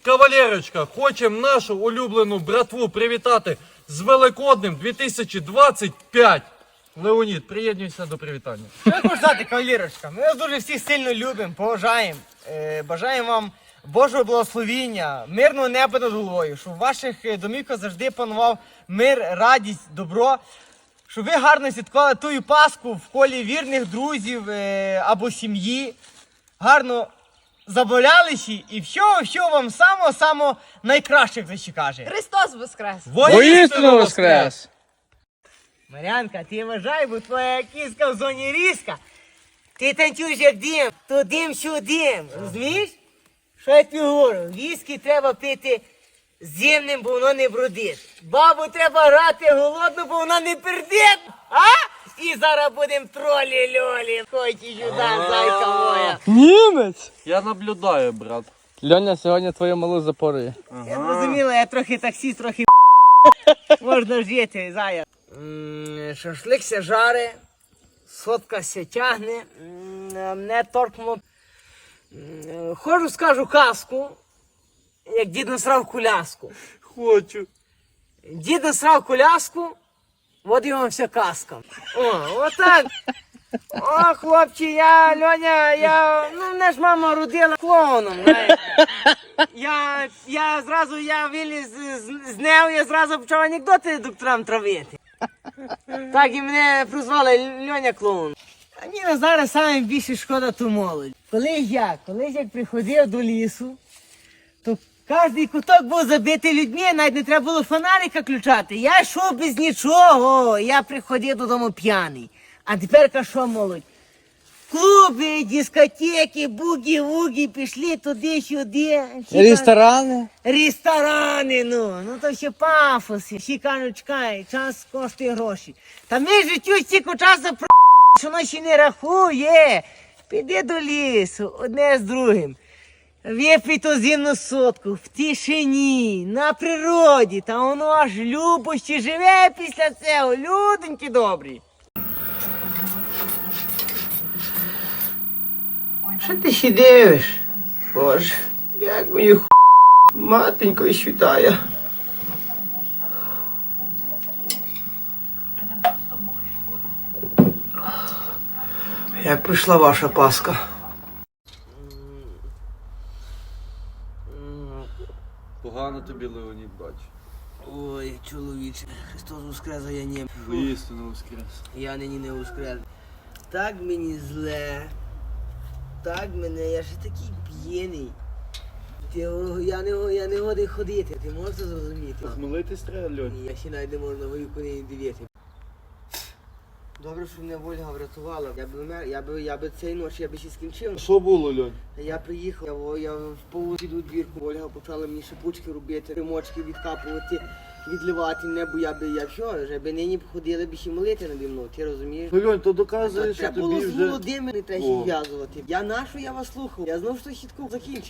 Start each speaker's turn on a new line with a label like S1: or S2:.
S1: Кавалерочка, хочемо нашу улюблену братву привітати з Великоднем 2025. Леонід, приєднуйся до привітання.
S2: Що я хочу сказати, кавалерочка? Ми вас дуже всіх сильно любимо, поважаємо. Бажаємо вам Божого благословіння, мирного неба над головою, щоб в ваших домівках завжди панував мир, радість, добро. Щоб ви гарно святкували тую Пасху в колі вірних друзів або сім'ї. Гарно забавлялися і всього вам самого найкраще, як це каже.
S3: Христос воскрес!
S4: Воістину воскрес!
S2: Марянка, ти вважай, бо твоя кіска в зоні різка. Ти танцюєш як дим, то дим, що дим. Розумієш? Що я тобі говорю? Віскі треба пити зимним, бо воно не брудить. Бабу треба грати голодну, бо вона не пердить. А? І зараз будемо тролі-льолі. Хочеш сюди, зайка моя.
S4: Німець!
S1: Я наблюдаю, брат.
S4: Льоня, сьогодні твою малу запорує.
S2: Я зрозуміла, я трохи таксіст, трохи можна жити, зая. Шашлик ся жаре, сотка ся тягне, мене торкнуло. Хожу, скажу казку, як дід насрав коляску.
S1: Хочу.
S2: Дід насрав коляску, от і вам вся казка. О, отак. О, хлопці, Льоня, мене ж мама родила клоуном, знаєш. Я виліз з нею, я зразу почав анекдоти докторам травити. Так і мене прозвали Льоня клоун. А мені зараз саме більше шкода ту молодь. Колись як приходив до лісу, то кожний куток був забитий людьми, навіть не треба було фонарика включати. Я йшов без нічого, я приходив додому п'яний. А тепер що, молодь? Клуби, дискотеки, бугі-вугі, пішли туди-сюди. Ресторани, ну то ще пафоси. Всі кажуть, чекай, час коштує гроші. Та ми життю стільки часу що воно ще не рахує. Піди до лісу, одне з другим. Випий ту зимну сотку, в тишині, на природі, та воно аж любощі живе після цього, люденьки добрі. Що ти ще дивиш? Боже, як мені матенько світає. Як прийшла ваша Пасха?
S1: Погано тобі, Леонід, бачу.
S2: Ой, чоловіче, Христос воскрес, а я не.
S1: Воістину воскрес.
S2: Я нині не воскрес. Так мені зле. Так мене, я ще такий п'єний. Я не годий ходити, ти можеш це зрозуміти?
S1: Хмелитись треба, Льонь.
S2: Ні, я ще навіть не можу на горівку не дивити. Добре, що мене Вольга врятувала. Я би цієї ночі я би ще скінчив.
S1: Що було, Льонь?
S2: Я приїхав, я в поводу двірку. Вольга почала мені шипучки робити, римочки відкапувати, відливати небо, я вже би нині ходили б ще молити наді мною, ти розумієш?
S1: Ну, Льонь, то доказує, що
S2: Треба було
S1: тобі
S2: з
S1: вже...
S2: Володимиром не треба зв'язувати. Я нашу, я вас слухав. Я знов що хітку закінчив.